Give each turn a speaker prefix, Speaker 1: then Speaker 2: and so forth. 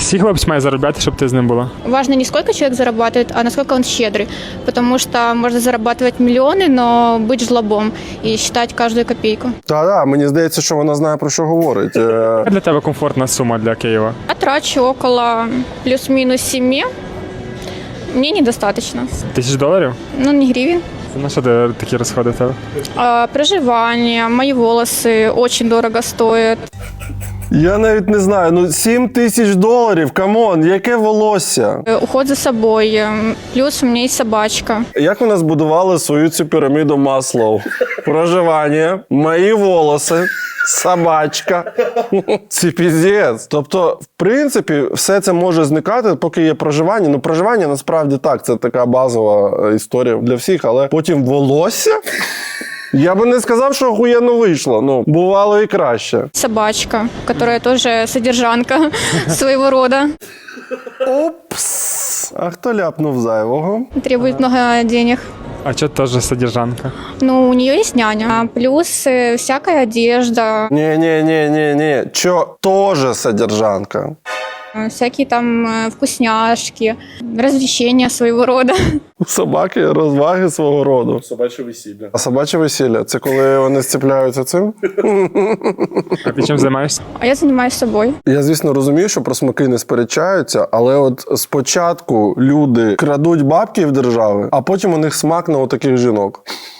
Speaker 1: Всі хлопці мають заробляти, щоб ти з ним була.
Speaker 2: Важно не сколько человек зарабатывает, а насколько он щедрый. Потому что можно зарабатывать миллионы, но быть жлобом и считать каждую копейку.
Speaker 3: Та-да, мені здається, що вона знає, про що говорить.
Speaker 1: Яка для тебе комфортна сума для Києва?
Speaker 2: А трачу около плюс-минус 7. Мне недостаточно.
Speaker 1: $1000?
Speaker 2: Ну, не гривен.
Speaker 1: Це на що ти такі розходи в тебе?
Speaker 2: Проживание, мои волосы очень дорого стоят.
Speaker 3: Я навіть не знаю, ну $7000, камон, яке волосся?
Speaker 2: Уход за собой. Плюс у меня есть собачка.
Speaker 3: Як вона збудувала свою цю піраміду Маслоу? Проживання, мої волоси, собачка. Це піздець. Тобто, в принципі, все це може зникати, поки є проживання. Ну, проживання насправді так, це така базова історія для всіх, але потім волосся? Я би не сказав, що охуєнно вийшло. Ну, бувало і краще.
Speaker 2: Собачка, которая тоже содержанка своего рода.
Speaker 3: Опс! А хто ляпнув зайвого?
Speaker 2: Требует много денег.
Speaker 1: А чого теж содержанка?
Speaker 2: Ну, у нее есть няня. Плюс всякая одежда,
Speaker 3: Ні. Чо тоже содержанка?
Speaker 2: всякие там вкусняшки, развлечения своего рода.
Speaker 3: У собаки розваги свого роду.
Speaker 4: Собаче весілля.
Speaker 3: А собаче весілля – це коли вони зціпляються цим?
Speaker 1: А ти чим займаєшся?
Speaker 2: А я занимаюсь собой.
Speaker 3: Я, звісно, розумію, що про смаки не сперечаються, але от спочатку люди крадуть бабки в держави, а потім у них смак на отаких жінок.